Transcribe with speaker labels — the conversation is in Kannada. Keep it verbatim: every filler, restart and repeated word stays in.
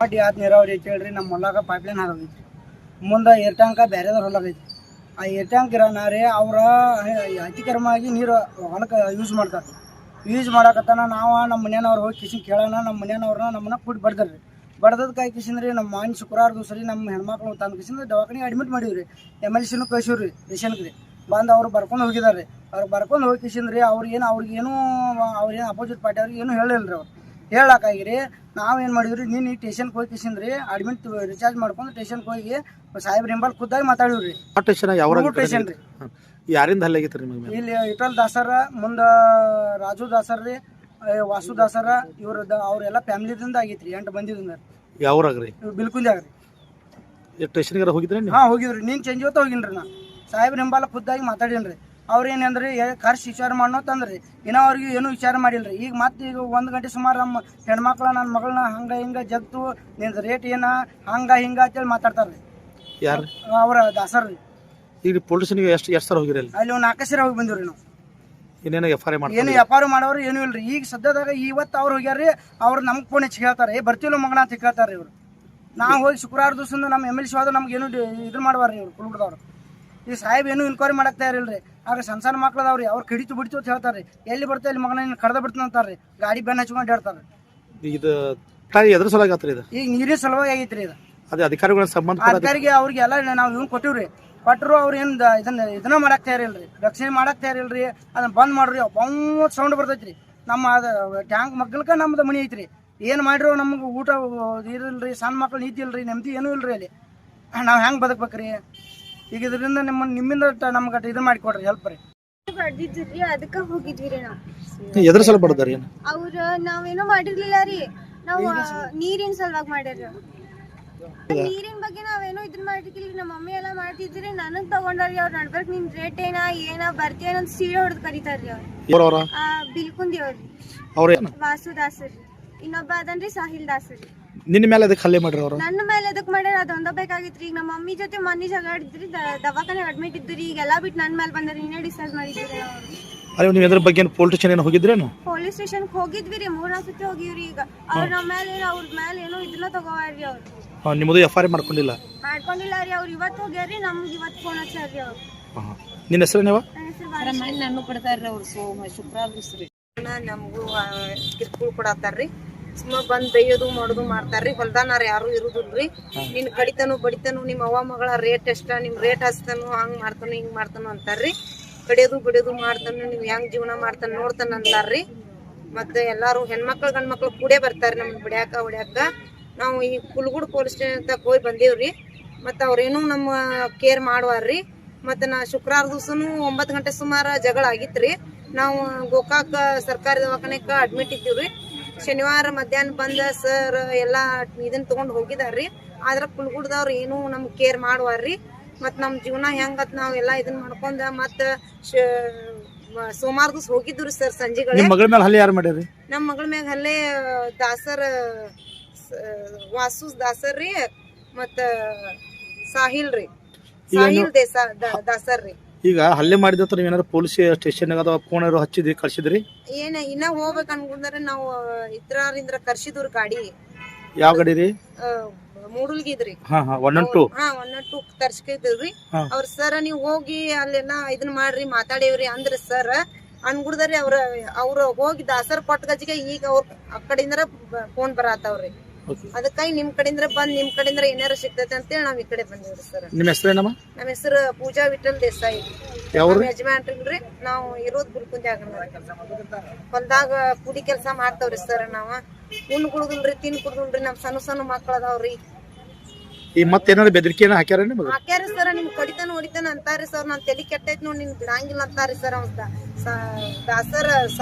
Speaker 1: ಪಾಟಿ ಆದ ನೀರಾವರಿ ಐತಿ ಹೇಳ್ರಿ. ನಮ್ಮ ಹೊಲಾಗ ಪೈಪ್ಲೈನ್ ಹಾಕೈತಿ, ಮುಂದೆ ಏರ್ ಟ್ಯಾಂಕ ಬೇರೆದವ್ರ ಹೊಲಾಗೈತಿ. ಆ ಏರ್ ಟ್ಯಾಂಕ್ ಇರೋನಾರೇ ಅವ್ರ ಅತಿಕ್ರಮವಾಗಿ ನೀರು ಹೊಲಕ್ಕೆ ಯೂಸ್ ಮಾಡ್ತಾರೆ. ಯೂಸ್ ಮಾಡಕತ್ತಾನ ನಾವು ನಮ್ಮ ಮನೆಯವ್ರು ಹೋಗಿ ಕಿಶನ್ ಕೇಳೋಣ. ನಮ್ಮ ಮನೆಯವ್ರನ್ನ ನಮ್ಮನ್ನ ಕೂಡಿ ಬಡ್ದಾರ್ರಿ. ಬಡ್ದದ್ ಕೈ ಕಿಶನ್ರಿ ನಮ್ಮ ಮಾನ್ ಶುಕ್ರವಾರ ದಿವಸ ರೀ ನಮ್ಮ ಹೆಣ್ಮಕ್ಳು ತಂದು ಕಿಶನ್ ದವಾಖಾನೆಗೆ ಅಡ್ಮಿಟ್ ಮಾಡಿವ್ರಿ. ಎಮ್ ಎಲ್ ಸಿನೂ ಕಳ್ಸಿವ್ರಿ ಪೇಷಂಟ್ಗೆ ಬಂದು ಅವ್ರು ಬರ್ಕೊಂಡು ಹೋಗಿದಾರೆ. ಅವ್ರು ಬರ್ಕೊಂಡು ಹೋಗಿ ಕಿಶನ್ರಿ ಅವ್ರಿಗೇನು ಅವ್ರಿಗೇನು ಅವ್ರೇನು ಅಪೋಸಿಟ್ ಪಾರ್ಟಿ ಅವ್ರಿಗೆ ಏನು ಹೇಳಿಲ್ಲ ರೀ. ಅವ್ರು ಹೇಳಕ್ಕಾಗಿರಿ ನಾವೇನು ಮಾಡಿದ್ರಿ, ನೀನು ಈ ಟೇಷನ್ಗೆ ಹೋಗಿ ಕಿಶನ್ರಿ ಅಡ್ಮಿಟ್ ರಿಚಾರ್ಜ್ ಮಾಡ್ಕೊಂಡು ಟೇಷನ್ಗೆ ಹೋಗಿ ಸಾಹೇಬ್ರ ಹಿಂಬಲ್ ಖುದ್ದಾಗಿ ಮಾತಾಡಿವ್ರಿ. ಟೇಷನ್ ರೀ
Speaker 2: ಯಾರಿಂದ ಹಲ್ಲೆ ಆಗೈತ್ರಿ ನಿಮಗೆ?
Speaker 1: ಇಲ್ಲಿ ಇಟಲ್ ದಾಸರ ಮುಂದೆ ರಾಜು ದಾಸರ್ ರೀ, ವಾಸು ದಾಸರ ಇವ್ರ ಅವ್ರೆಲ್ಲ ಫ್ಯಾಮಿಲಿದಿಂದ ಆಗೈತ್ರಿ. ಎಂಟು ಬಂದಿದ್ದ
Speaker 2: ಯಾವ್ರಾಗ್ರಿ?
Speaker 1: ಬಿಲ್ಕುಂದ್ಯಾಗ
Speaker 2: ರೀ. ಸ್ಟೇಷನ್ಗಾರ ಹೋಗಿದ್ರಿ?
Speaker 1: ಹಾಂ ಹೋಗಿದ್ರಿ. ನೀನು ಚೇಂಜ್ ಹೊತ್ತು ಹೋಗಿನ್ರಿ. ನಾ ಸಾಹೇಬ್ರ ಹಿಂಬಾಲ ಖುದ್ದಾಗಿ ಮಾತಾಡೀನಿ. ಅವ್ರು ಏನಂದ್ರಿ ಖರ್ಚು ವಿಚಾರ ಮಾಡೋ ತಂದ್ರಿ. ಇನ್ನೂ ಅವ್ರಿಗೆ ಏನೂ ವಿಚಾರ ಮಾಡಿಲ್ರಿ. ಈಗ ಮತ್ತೆ ಈಗ ಒಂದು ಗಂಟೆ ಸುಮಾರು ನಮ್ಮ ಹೆಣ್ಮಕ್ಳ ನನ್ನ ಮಗಳನ್ನ ಹಂಗೆ ಹಿಂಗೆ ಜಗ್ತು ನಿಂದು ರೇಟ್ ಏನ ಹಂಗೆ ಹಿಂಗೆ ಅಂತೇಳಿ ಮಾತಾಡ್ತಾರ್ರಿ.
Speaker 2: ಯಾರು?
Speaker 1: ಅವ್ರ ದಾಸರ್ ರೀ.
Speaker 2: ಈಗ ಪೊಲೀಸ್ ಸ್ಟೇಷನ್ಗೆ ಎಷ್ಟು ಎಷ್ಟು ಸರ್ ಹೋಗಿರಿ?
Speaker 1: ಅಲ್ಲಿ ಒಂದು ನಾಲ್ಕು ಸರಿ ಹೋಗಿ ಬಂದಿವ್ರಿ ನಾವು.
Speaker 2: ಏನೇನು ಎಫ್ ಐ ಆರ್ ಮಾಡಿ
Speaker 1: ಏನು ಎಫ್ ಐ ಆರ್ ಮಾಡೋರು ಏನೂ ಇಲ್ರಿ. ಈಗ ಸದ್ಯದಾಗ ಇವತ್ತು ಅವ್ರು ಹೋಗ್ಯಾರ್ರಿ. ಅವ್ರು ನಮ್ಗೆ ಫೋನ್ ಹೆಚ್ಚು ಹೇಳ್ತಾರೆ, ಏ ಬರ್ತೀವಿಲ್ಲ ಮಗನ ಅಂತ ಕೇಳ್ತಾರೆ ಇವರು. ನಾವು ಹೋಗಿ ಶುಕ್ರವಾರ ದಿವಸದಿಂದ ನಮ್ಮ ಎಮ್ ಎಲ್ ಸಿ ಹೋದ್ರೆ ನಮ್ಗೆ ಏನು ಇದು ಮಾಡ್ಬಾರ್ರಿ ಇವ್ರು ಕುಲ್ಬಿಡ್ದವ್ರು. ಈ ಸಾಹೇಬ್ ಏನು ಇನ್ಕ್ವೈರಿ ಮಾಡಕ್ತಾ ಇರಲ್ರಿ. ಆಗ ಸಣ್ಣ ಸಣ್ಣ ಮಕ್ಳದವ್ರಿ ಅವ್ರು ಕಡಿತು ಬಿಡ್ತು ಅಂತ ಹೇಳ್ತಾರೆ. ಎಲ್ಲಿ ಬರ್ತಾ ಇಲ್ಲಿ ಮಗನ ಕಡ್ದ ಬಿಡ್ತಾನೆ ಅಂತಾರ್ರಿ. ಗಾಡಿ ಬೆನ್ನ ಹಚ್ಕೊಂಡು ಹೇಳ್ತಾರೆ.
Speaker 2: ಇದು ಎದ್ರ ಸಲುವಾಗಿ ಆತ್ರಿ ಇದು? ಈಗ
Speaker 1: ನೀರಿನ ಸಲುವಾಗಿ ಆಗೈತ್ರಿ ಇದು.
Speaker 2: ಅದೇ ಅಧಿಕಾರಿಗಳ ಸಂಬಂಧ
Speaker 1: ಅಧಿಕಾರಿಗೆ ಅವ್ರಿಗೆ ಎಲ್ಲ ನಾವು ಇವ್ನು ಕೊಟ್ಟಿವ್ರಿ. ಕೊಟ್ಟರು ಅವ್ರು ಏನು ಇದನ್ನ ಇದನ್ನ ಮಾಡಕ್ ತಯಾರಿಲ್ರಿ, ರಕ್ಷಣೆ ಮಾಡಕ್ ತಯಾರಿಲ್ರಿ. ಅದನ್ನ ಬಂದ್ ಮಾಡ್ರಿ. ಬಂದ್ ಸೌಂಡ್ ಬರ್ತೈತ್ರಿ. ನಮ್ಮ ಅದು ಟ್ಯಾಂಕ್ ಮಗ್ಗಲ್ಕ ನಮ್ದು ಮನಿ ಐತ್ರಿ. ಏನು ಮಾಡಿರೋ ನಮ್ಗೆ ಊಟ ಇರಲ್ರಿ, ಸಣ್ಣ ಮಕ್ಳು ನೀತಿ ಇಲ್ರಿ, ನೆಮ್ಮದಿ ಏನೂ ಇಲ್ರಿ. ಅಲ್ಲಿ ನಾವು ಹೆಂಗೆ ಬದುಕ್ಬೇಕ್ರಿ? ಈಗ ಇದರಿಂದ ನಿಮ್ಮ ನಿಮ್ಮಿಂದ ನಮ್ಗೆ ಇದು ಮಾಡಿಕೊಡ್ರಿ, ಹೆಲ್ಪ್ ರೀ.
Speaker 3: ಬಡ್ದಿದ್ರಿ ಅದಕ್ಕ ಹೋಗಿದ್ವಿ ರೀ. ನಾವು
Speaker 2: ಎದ್ರ ಸಲ ಬಡದಾರಿ?
Speaker 3: ಅವ್ರ ನಾವೇನೋ ಮಾಡಿರ್ಲಿಲ್ಲ ರೀ. ನಾವು ನೀರಿನ ಸಲುವಾಗಿ ಮಾಡ್ಯಾರ. ನೀರಿನ ಬಗ್ಗೆ ನಾವೇನೋ ಇದನ್ನ ಮಾಡಿರ್ಲಿಲ್ಲ. ನಮ್ಮ ಮಮ್ಮಿ ಎಲ್ಲ ಮಾಡ್ತಿದ್ರಿ. ನನಗ್ ತಗೊಂಡ್ರಿ. ಅವ್ರ ನಡ್ಬರ್ಕ್ ನಿನ್ ರೇಟ್ ಏನ ಏನ ಬರ್ತೀಯ ಅಂತ ಸೀರೆ ಹೊಡೆದ್ ಕರೀತಾರ್ರಿ. ಅವ್ರು ಬಿಲ್ಕುಂದಿ ಅವ್ರಿ. ವಾಸು ದಾಸರಿ. ಇನ್ನೊಬ್ಬ ಅದನ್ರಿ ಸಾಹಿಲ್ ದಾಸರಿ.
Speaker 2: ನಿನ್ನ ಮೇಲೆ ಅದಕ್ಕೆ ಹಲ್ಲೆ ಮಾಡ್ರಿ ಅವ್ರು?
Speaker 3: ನನ್ನ ಮೇಲೆ ಅದಕ್ಕೆ ಮಾಡ್ಯಾರ. ಅದೊಂದ ಬೇಕಾಗಿತ್ರಿ. ಈಗ ನಮ್ಮ ಮಮ್ಮಿ ಜೊತೆ ಮನೆ ಜಗಾಡಿದ್ರಿ, ದವಾಖಾನೆ ಅಡ್ಮಿಟ್ ಇದ್ರಿ. ಈಗೆಲ್ಲ ಬಿಟ್ಟು ನನ್ನ ಮೇಲೆ ಬಂದ್ರಿ. ನೀನೇ ಡಿಸೈಡ್ ಮಾಡಿದ್ರಿ.
Speaker 2: ಅರೆ ನೀವು ಇದ್ರ ಬಗ್ಗೆ ಪೊಲೀಸ್ ಸ್ಟೇಷನ್ ಏನು ಹೋಗಿದ್ರೇನು?
Speaker 3: ಪೊಲೀಸ್ ಸ್ಟೇಷನ್ ಹೋಗಿದ್ವಿ ರೀ. ಮೂರ್ ನಾಲ್ಕು ಸತಿ ಹೋಗಿವ್ರಿ. ಈಗ ಅವ್ರ ನಮ್ಮ ಮೇಲೆ ಅವ್ರ ಮೇಲೆ ಏನೋ ಇದನ್ನ ತಗೋವಾರ್ರಿ. ಅವ್ರು
Speaker 2: ನಿಮ್ಮದು ಎಫ್ ಐ ಆರ್ ಮಾಡ್ಕೊಂಡಿಲ್ಲ?
Speaker 3: ಮಾಡ್ಕೊಂಡಿಲ್ಲ ರೀ. ಅವ್ರು ಇವತ್ತು ಹೋಗ್ಯಾರ್ರಿ. ನಮ್ಗೆ ಇವತ್ತು ಫೋನ್ ಹಚ್ಚಾರ್ರಿ ಅವ್ರು.
Speaker 2: ನಿನ್ನ ಹೆಸರು ನೀವು?
Speaker 4: ನಾನು ಕೊಡ್ತಾರ್ರಿ ಅವ್ರು. ಸೋಮ ಶುಕ್ರವಾರ ದಿವಸ ರೀ ನಮಗೂ ಕಿರ್ಕುಳ್ ಕೊಡತ್ತಾರ್ರಿ. ಸುಮ್ಮ ಬಂದ್ ಬೈಯೋದು ಮಾಡೋದು ಮಾಡ್ತಾರ್ರಿ. ಹೊಲ್ದಾನಾರ ಯಾರು ಇರುದಿಲ್ರಿ. ನಿನ್ ಕಡಿತನು ಬಡಿತನು ನಿಮ್ಮ ಅವ್ವ ಮಗಳ ರೇಟ್ ಎಷ್ಟ, ನಿಮ್ ರೇಟ್ ಹಚ್ತಾನು, ಹಂಗ್ ಮಾಡ್ತಾನು ಹಿಂಗ್ ಮಾಡ್ತಾನು ಅಂತಾರ್ರಿ. ಕಡಿಯೋದು ಬಿಡೋದು ಮಾಡ್ತಾನು, ನೀವ್ ಹೆಂಗ್ ಜೀವನ ಮಾಡ್ತಾನ ನೋಡ್ತಾನ ಅಂತಾರ್ರಿ. ಮತ್ತೆ ಎಲ್ಲಾರು ಹೆಣ್ಮಕ್ಳು ಗಂಡ್ಮಕ್ಳು ಕೂಡೇ ಬರ್ತಾರ್ರಿ ನಮ್ಗೆ ಬಿಡ್ಯಾಕ ಹೊಡ್ಯಾಕ. ನಾವು ಈ ಕುಲ್ಗುಡ್ ಪೊಲೀಸ್ ಸ್ಟೇಷನ್ ತಕ ಹೋಗಿ ಬಂದೇವ್ರಿ. ಮತ್ತ ಅವ್ರೇನು ನಮ್ಮ ಕೇರ್ ಮಾಡುವಾರ್ರಿ. ಮತ್ತೆ ನಾ ಶುಕ್ರವಾರ ದಿವಸನು ಒಂಬತ್ತು ಗಂಟೆ ಸುಮಾರು ಜಗಳ ಆಗಿತ್ರಿ. ನಾವು ಗೋಕಾಕ್ ಸರ್ಕಾರಿ ದವಾಖಾನೆಕ ಅಡ್ಮಿಟ್ ಇದ್ದೀವ್ರಿ. ಶನಿವಾರ ಮಧ್ಯಾಹ್ನ ಬಂದ ಸರ್ ಎಲ್ಲಾ ಇದನ್ನ ತಗೊಂಡ್ ಹೋಗಿದಾರ್ರಿ. ಆದ್ರ ಕುಲ್ಗುಡ್ದವ್ರು ಏನು ನಮ್ಗೆ ಕೇರ್ ಮಾಡುವಾರ್ರಿ. ಮತ್ ನಮ್ ಜೀವನ ಹೆಂಗತ್ ನಾವ್ ಎಲ್ಲಾ ಇದನ್ನ ಮಾಡ್ಕೊಂಡ ಮತ್ತ ಸೋಮವಾರ ದಿವಸ ಹೋಗಿದ್ವಿ ಸರ್ ಸಂಜೆಗಳ.
Speaker 2: ನಿಮ್ಮ ಮಗಳ ಮೇಲೆ ಹಲ್ಲೆ ಯಾರು ಮಾಡ್ಯಾರಿ?
Speaker 3: ನಮ್ಮ ಮಗಳ ಮ್ಯಾಗ ಹಲ್ಲೆ ದಾಸರ್ ವಾಸು ದಾಸರ್ ರೀ, ಮತ್ತ ಸಾಹಿಲ್ ರೀ, ಸಾಹಿಲ್ ದೇಸ ದಾಸರ್ ರೀ.
Speaker 2: ಈಗ ಹಲ್ಲೆ ಮಾಡಿದ ನೀವು ಏನಾದ್ರು ಪೊಲೀಸ್ ಸ್ಟೇಷನ್ ಅಥವಾ ಫೋನ್ ಹಚ್ಚಿದ್ರಿ, ಕಳ್ಸಿದ್ರಿ?
Speaker 3: ಏನ ಇನ್ನ ಹೋಗ್ಬೇಕ ಅನ್ಕೊಂಡ್ರೆ ನಾವು ಇತರರಿಂದ ಕರ್ಸಿದ್ರಿ ಗಾಡಿ.
Speaker 2: ಯಾವ ಗಾಡಿ ರೀ?
Speaker 3: ಮೂಡಲ್ಗಿದ್ರಿ.
Speaker 2: ಹಾ ಹಾ ಒನ್ ಒನ್ ಟು.
Speaker 3: ಹಾ ಒನ್ ಒನ್ ಟು ತರ್ಸ್ಕಿದ್ರಿ. ಅವ್ರ ಸರ್ ನೀವ್ ಹೋಗಿ ಅಲ್ಲೆಲ್ಲ ಇದನ್ ಮಾಡ್ರಿ ಮಾತಾಡೇವ್ರಿ ಅಂದ್ರ ಸರ್ ಅನ್ಗುಡ್ದಾರಿ. ಅವ್ರ ಅವ್ರ ಹೋಗಿ ದಾಸರ್ ಕೊಟ್ಟ ಗಜಿಗೆ ಈಗ ಅವ್ರ ಆ ಕಡೆಯಿಂದ ಫೋನ್ ಬರತ್ತಾವ್ರಿ. ಅದಕ್ಕಾಗಿ ನಿಮ್ ಕಡೆಯಿಂದ ಬಂದ್ ನಿಮ್ ಕಡೆಯಿಂದ ಏನಾರ ಸಿಗ್ತೈತೆ ಅಂತೇಳಿ ನಾವ್ ಈ ಕಡೆ ಬಂದಿವ್ರಿ ಸರ್.
Speaker 2: ನಿಮ್ ಹೆಸರೇನಮ್ಮ?
Speaker 3: ನಮ್ಮ ಹೆಸರು ಪೂಜಾ ವಿಠಲ್ ದೇಸಾಯಿ. ಯಜಮಾನ್ರಿ. ನಾವು ಇರೋದ್ ಬಿಲ್ಕುಂದ್ಯಾಗ. ಹೊಲ್ದಾಗ ಕುಡಿ ಕೆಲ್ಸ ಮಾಡ್ತಾವ್ರಿ ಸರ್. ನಾವ ಉಣ್ ಕುಡುದಿಲ್ರಿ, ತಿನ್ ಕುಡುದಿಲ್ರಿ. ನಮ್ ಸಣ್ಣ ಸಣ್ಣ ಮಕ್ಳ ಅದಾವ್ರಿ.
Speaker 2: ಈ ಮತ್ತೇನಾದ್ರು ಬೆದರಿಕೆ ಹಾಕ್ಯಾರ?
Speaker 3: ಹಾಕ್ಯಾರಿ ಸರ್. ನಿಮ್ ಕಡಿತಾನ ಹೊಡಿತಾನ ಅಂತಾರಿ ಸರ್. ನಾನ್ ತಲಿ ಕೆಟ್ಟೈತ್ ನೋಡಿ ನಿನ್ ಬಿಡಂಗಿಲ್ಲ ಅಂತಾರಿ ಸರ್. ಅವ್ ದಾಸರ